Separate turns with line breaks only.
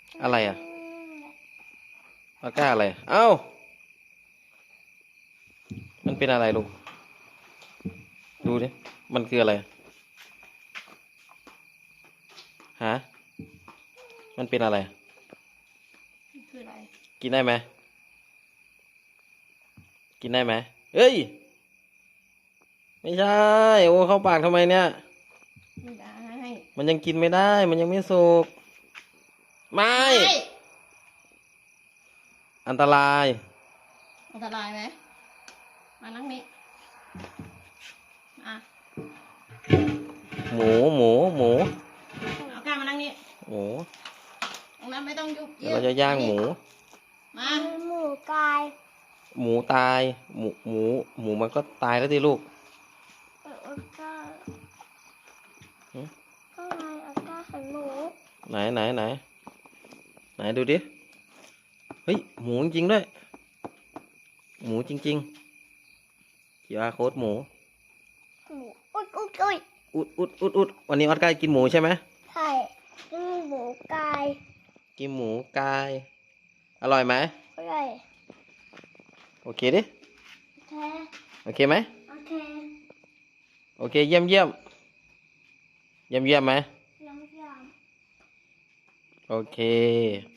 อะไรอ่ะออก้าอะไรเอ้ามันเป็นอะไรลูกดูดิมันคืออะไรฮะมันเป็นอะไร
คืออะไร
กินได้ไหมกินได้ไหมเอ้ยไม่ใช่โอ้เข้าปากทำไมเนี่ย
ไม่ได้
มันยังกินไม่ได้มันยังไม่สุกไม่อันตราย
อันตรายไหมมานั่งนี้อ่ะ
หมูหมูหมู
เอาก้ามานั่งนี้
หมู
ตรงนั้นไม่ต้องยุบ
เดี๋ยวเราจะย่างหมู
มา
หมูกาย
หมูตายหมูมันก็ตายแล้วดิลูก
ก็ก็ไงก็เห็นหมู
ไหนดูดิเฮ้ยหมูจริงๆด้วยหมูจริงๆQRโค้ดหมู
อุด
วันนี้ออสการ์กินหมูใช่ไหม
ใช่หมูกาย
กินหมูกายอร่อยไหม
อร่อย
โอเคดิ
โอเค
โอเคไหม
โอเค
โอเคเยี่ยมไหม
ยัง
โอเค